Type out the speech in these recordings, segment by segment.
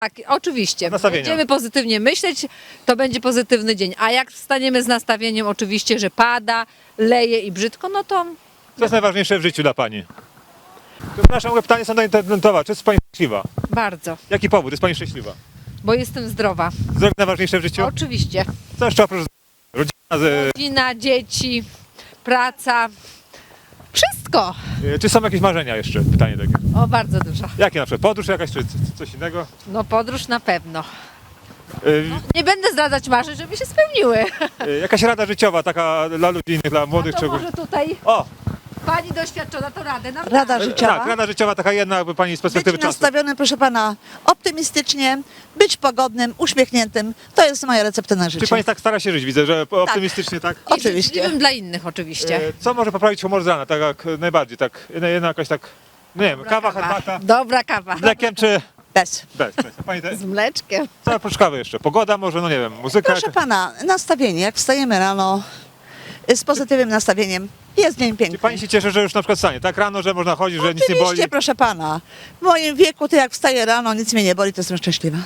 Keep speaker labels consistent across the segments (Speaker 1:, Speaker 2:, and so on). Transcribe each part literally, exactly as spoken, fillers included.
Speaker 1: Tak, oczywiście.
Speaker 2: Nastawienia.
Speaker 1: Będziemy pozytywnie myśleć, to będzie pozytywny dzień. A jak wstaniemy z nastawieniem oczywiście, że pada, leje i brzydko, no to
Speaker 2: Co jest najważniejsze w życiu dla Pani? Przepraszam, moje pytanie są internetowe. Czy jest Pani szczęśliwa?
Speaker 1: bardzo,
Speaker 2: Jaki powód? Jest Pani szczęśliwa?
Speaker 1: bo jestem zdrowa.
Speaker 2: Zdrowie najważniejsze w życiu?
Speaker 1: Oczywiście.
Speaker 2: Co jeszcze oprócz rodzina? Z,
Speaker 1: Rodzina, dzieci, praca, wszystko.
Speaker 2: y, czy są jakieś marzenia jeszcze? Pytanie takie.
Speaker 1: O, bardzo dużo.
Speaker 2: Jakie na przykład? Podróż jakaś, czy c- coś innego?
Speaker 1: No podróż na pewno.
Speaker 2: Y,
Speaker 1: Nie będę zdradzać marzeń, żeby się spełniły.
Speaker 2: y, jakaś rada życiowa taka dla ludzi innych, dla młodych?
Speaker 1: A to
Speaker 2: czy...
Speaker 1: może tutaj
Speaker 2: O!
Speaker 1: pani doświadczona to radę nam
Speaker 3: Rada
Speaker 1: da.
Speaker 3: życiowa.
Speaker 2: Tak, rada życiowa taka jedna, jakby Pani z perspektywy
Speaker 3: Być
Speaker 2: czasu.
Speaker 3: nastawionym, proszę pana, optymistycznie, być pogodnym, uśmiechniętym. To jest moja recepta na
Speaker 2: Czy
Speaker 3: życie.
Speaker 2: Pani tak stara się żyć? Widzę, że optymistycznie tak.
Speaker 1: I
Speaker 3: Oczywiście.
Speaker 1: życzliwym dla innych oczywiście.
Speaker 2: E, Co może poprawić humor z rana? Tak jak najbardziej, tak. Jedna, jedna jakaś tak, nie wiem, kawa, herbata,
Speaker 1: Dobra kawa.
Speaker 2: z mlekiem czy
Speaker 3: Bez.
Speaker 2: bez? bez. Pani te,
Speaker 1: Z mleczkiem.
Speaker 2: co oprócz kawy jeszcze? Pogoda może, no nie wiem, muzyka?
Speaker 3: Proszę pana, nastawienie, jak wstajemy rano y, z pozytywnym nastawieniem, jest dzień
Speaker 2: Czy
Speaker 3: piękny.
Speaker 2: Pani się cieszy, że już na przykład stanie tak rano, że można chodzić, że nic nie boli?
Speaker 3: Oczywiście, proszę pana. W moim wieku, to jak wstaję rano, nic mnie nie boli, to jestem szczęśliwa.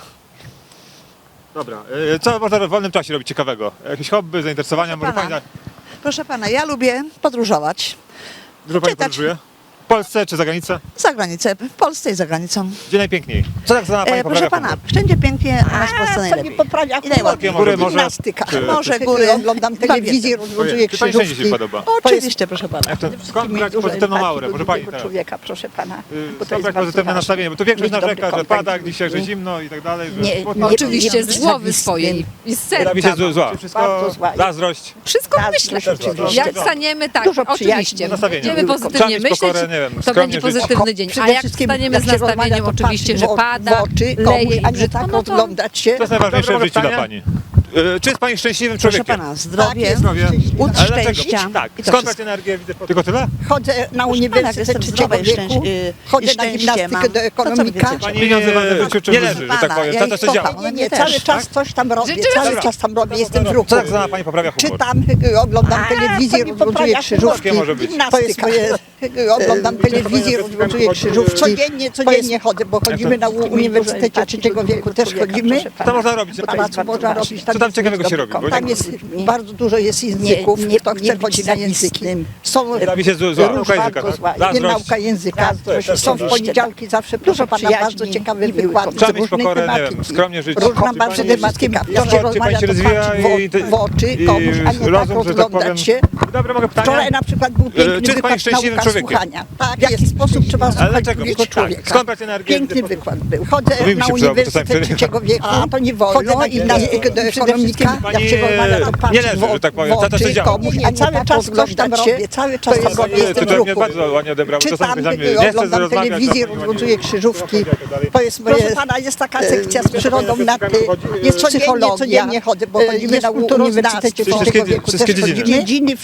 Speaker 2: Dobra, e, co można w wolnym czasie robić ciekawego? Jakieś hobby, zainteresowania?
Speaker 3: Proszę
Speaker 2: Może
Speaker 3: pana.
Speaker 2: Pani
Speaker 3: Proszę pana, ja lubię podróżować.
Speaker 2: dużo Pani
Speaker 3: czytać.
Speaker 2: podróżuje? W Polsce czy za granicę?
Speaker 3: Za granicę, w Polsce i za granicą.
Speaker 2: Gdzie najpiękniej? Co tak za Pani
Speaker 3: E,
Speaker 2: poprawia
Speaker 3: proszę pana,
Speaker 2: humor?
Speaker 3: wszędzie pięknie, a nas w Polsce
Speaker 4: To nie
Speaker 3: najlepiej.
Speaker 4: poprawia
Speaker 3: I najładniej.
Speaker 2: Góry może?
Speaker 4: gimnastyka.
Speaker 2: Czy-
Speaker 3: Może góry.
Speaker 4: Oglądam telewizję, rozwiązuję
Speaker 2: Ojej, czy Pani wszędzie się
Speaker 4: krzyżówki.
Speaker 2: podoba?
Speaker 3: Oczywiście, proszę pana.
Speaker 2: Jak to, skąd brać
Speaker 4: Dużo
Speaker 2: pozytywną
Speaker 4: empatii
Speaker 2: aurę?
Speaker 4: do
Speaker 2: Może Pani
Speaker 4: drugiego
Speaker 2: teraz?
Speaker 4: człowieka, proszę pana.
Speaker 2: Y,
Speaker 4: bo to
Speaker 2: Skąd
Speaker 4: jest
Speaker 2: brać
Speaker 4: bardzo
Speaker 2: pozytywne
Speaker 4: ważne.
Speaker 2: nastawienie? Bo tu większość
Speaker 4: Mieć dobry
Speaker 2: narzeka, że
Speaker 4: kontakt
Speaker 2: pada
Speaker 4: z
Speaker 2: dzisiaj, że
Speaker 4: ludźmi.
Speaker 2: zimno i tak dalej. Że
Speaker 4: Nie,
Speaker 2: smutno.
Speaker 4: nie,
Speaker 1: Oczywiście z głowy swojej i z
Speaker 2: Robi
Speaker 1: serca.
Speaker 2: się zła.
Speaker 4: Bardzo
Speaker 2: Wszystko
Speaker 4: zła.
Speaker 2: zazdrość.
Speaker 1: Wszystko
Speaker 4: Zazdrość
Speaker 1: myślę.
Speaker 4: oczywiście.
Speaker 1: Jak staniemy, tak,
Speaker 4: Dużo
Speaker 1: oczywiście.
Speaker 4: przyjaźni.
Speaker 2: Nastawienia.
Speaker 1: Będziemy
Speaker 2: Trzeba
Speaker 1: pozytywnie
Speaker 2: mieć
Speaker 1: myśleć,
Speaker 2: pokorę, nie wiem,
Speaker 1: to
Speaker 2: skromnie
Speaker 1: będzie
Speaker 2: żyć.
Speaker 1: pozytywny dzień.
Speaker 4: Przede
Speaker 1: A jak
Speaker 4: wszystkim,
Speaker 1: wstaniemy
Speaker 4: jak
Speaker 1: z
Speaker 4: się rozmawia,
Speaker 1: nastawieniem
Speaker 4: to
Speaker 1: oczywiście,
Speaker 4: patrzeć
Speaker 1: że
Speaker 4: w o-
Speaker 1: pada,
Speaker 4: w oczy
Speaker 1: leje
Speaker 4: komuś,
Speaker 1: i
Speaker 4: a nie
Speaker 1: brzydko,
Speaker 4: tak
Speaker 1: no to
Speaker 4: oglądać się.
Speaker 2: To jest najważniejsze w
Speaker 1: Dobre
Speaker 2: życiu dla
Speaker 1: pytanie.
Speaker 2: Pani. Y, Czy jest Pani szczęśliwym
Speaker 3: Proszę
Speaker 2: człowiekiem?
Speaker 3: pana, zdrowie,
Speaker 2: Zdrowie.
Speaker 3: łód
Speaker 2: Ale dlaczego?
Speaker 3: szczęścia.
Speaker 2: Tak.
Speaker 3: I to
Speaker 2: Skąd
Speaker 3: wszystko.
Speaker 2: brać energię? Widzę po- Tylko tyle?
Speaker 4: Chodzę na
Speaker 3: pana,
Speaker 4: uniwersytet
Speaker 3: jestem
Speaker 4: trzeciego
Speaker 3: zdrowa i
Speaker 4: wieku,
Speaker 3: szczęś- y,
Speaker 4: chodzę
Speaker 3: i
Speaker 4: na
Speaker 3: szczęście
Speaker 4: gimnastykę
Speaker 3: mam.
Speaker 4: do
Speaker 3: To co wy
Speaker 4: ekonomika.
Speaker 3: wiecie?
Speaker 2: Pani
Speaker 5: Pieniądze w życiu czym
Speaker 2: nie
Speaker 5: żyje?
Speaker 2: leży, że tak
Speaker 3: Pana,
Speaker 2: powiem.
Speaker 3: ja
Speaker 2: Tata
Speaker 3: ich
Speaker 2: co działa.
Speaker 3: kocham.
Speaker 4: Nie,
Speaker 3: Mnie
Speaker 4: nie,
Speaker 3: też,
Speaker 4: cały
Speaker 3: tak?
Speaker 4: czas coś tam robię,
Speaker 1: Życzymy
Speaker 4: cały
Speaker 2: Dobra.
Speaker 4: czas tam robię, jestem w ruchu.
Speaker 2: Co tak za Pani poprawia humor?
Speaker 4: Czytam, y, oglądam telewizję,
Speaker 3: to mi
Speaker 4: rozwiązuję
Speaker 3: poprawia
Speaker 4: krzyżówki.
Speaker 2: humor. może być.
Speaker 4: To jest moje, y, oglądam telewizję, rozwiązuję krzyżówki. Codziennie, codziennie chodzę, bo chodzimy na u- Uniwersytecie trzeciego wieku, też chodzimy.
Speaker 2: Co można robić?
Speaker 4: W pałacu można robić.
Speaker 2: Co tam ciekawego się robi? Bo
Speaker 4: Tam jest bardzo dużo jest języków,
Speaker 3: Nie- nie-
Speaker 4: kto
Speaker 3: nie
Speaker 4: chce
Speaker 3: być
Speaker 4: chodzi na języki.
Speaker 3: zawistnym.
Speaker 4: Są
Speaker 2: Robi się zła, zła nauka
Speaker 4: różna
Speaker 2: języka,
Speaker 4: bardzo
Speaker 2: tak?
Speaker 4: zła.
Speaker 2: Zazdrość.
Speaker 4: Nie nauka języka.
Speaker 2: Zazdrość, też
Speaker 4: Są w
Speaker 2: prawda.
Speaker 4: poniedziałki zawsze, proszę pana,
Speaker 3: przyjaźni
Speaker 4: bardzo ciekawe
Speaker 3: i były
Speaker 4: wykłady
Speaker 2: Trzeba
Speaker 4: z
Speaker 2: mieć
Speaker 4: różnej
Speaker 2: pokorę, nie wiem,
Speaker 4: tematyki.
Speaker 2: skromnie żyć.
Speaker 4: Różna
Speaker 2: Czy
Speaker 4: bardzo
Speaker 2: pani-
Speaker 4: tematyka.
Speaker 2: Czy
Speaker 4: To się
Speaker 2: pani
Speaker 4: rozmawia,
Speaker 2: się
Speaker 4: to
Speaker 2: rozwija
Speaker 4: patrzy
Speaker 2: i-
Speaker 4: w, w oczy
Speaker 2: i
Speaker 4: komuś, a nie tak
Speaker 2: rozum, że tak powiem.
Speaker 4: rozglądać się.
Speaker 2: Dobra, mogę pytanie?
Speaker 4: Wczoraj na przykład był
Speaker 2: czy
Speaker 4: piękny
Speaker 2: jest pani
Speaker 4: wykład
Speaker 2: szczęśliwym
Speaker 4: nauka
Speaker 2: człowiekiem?
Speaker 4: słuchania. W jaki sposób trzeba słuchać
Speaker 2: dlaczego?
Speaker 4: drugiego
Speaker 2: Tak.
Speaker 4: człowieka.
Speaker 2: Skąd brać energię?
Speaker 4: Piękny wykład był. Chodzę
Speaker 2: To mi
Speaker 4: na
Speaker 2: się przydało, bo czasami
Speaker 4: Uniwersytet
Speaker 2: wtedy-
Speaker 4: trzeciego wieku,
Speaker 3: A, to nie wolno.
Speaker 4: chodzę na gimnastykę do ekonomika.
Speaker 2: Pani
Speaker 4: Jak się rozmawia, to patrzę
Speaker 2: nie leży, że tak powiem.
Speaker 4: w
Speaker 2: Tata co
Speaker 4: oczy
Speaker 2: działa.
Speaker 4: komuś, a nie cały czas coś tam robię, cały czas
Speaker 2: To
Speaker 4: tam
Speaker 2: jest,
Speaker 4: robię, jestem w
Speaker 2: to mnie
Speaker 4: ruchu.
Speaker 2: bardzo ładnie odebrało.
Speaker 4: Czytam,
Speaker 2: Czasami czasami nie chcę
Speaker 4: oglądam
Speaker 2: rozmawiać,
Speaker 4: telewizję,
Speaker 2: czasami
Speaker 4: rozwiązuję krzyżówki. To jest
Speaker 3: Proszę
Speaker 4: moje...
Speaker 3: pana, jest taka
Speaker 4: sekcja z przyrodą na ty.
Speaker 2: Jest
Speaker 4: Jest
Speaker 3: codziennie,
Speaker 4: psychologia,
Speaker 3: codziennie chodzę, bo chodzimy
Speaker 4: jest
Speaker 3: na
Speaker 4: kulturoznawstwie
Speaker 3: Uniwersytecie
Speaker 2: Wszystkie-
Speaker 4: trzeciego wieku,
Speaker 2: wszystkie
Speaker 4: też
Speaker 2: dziedziny.
Speaker 4: chodzimy. Dziedziny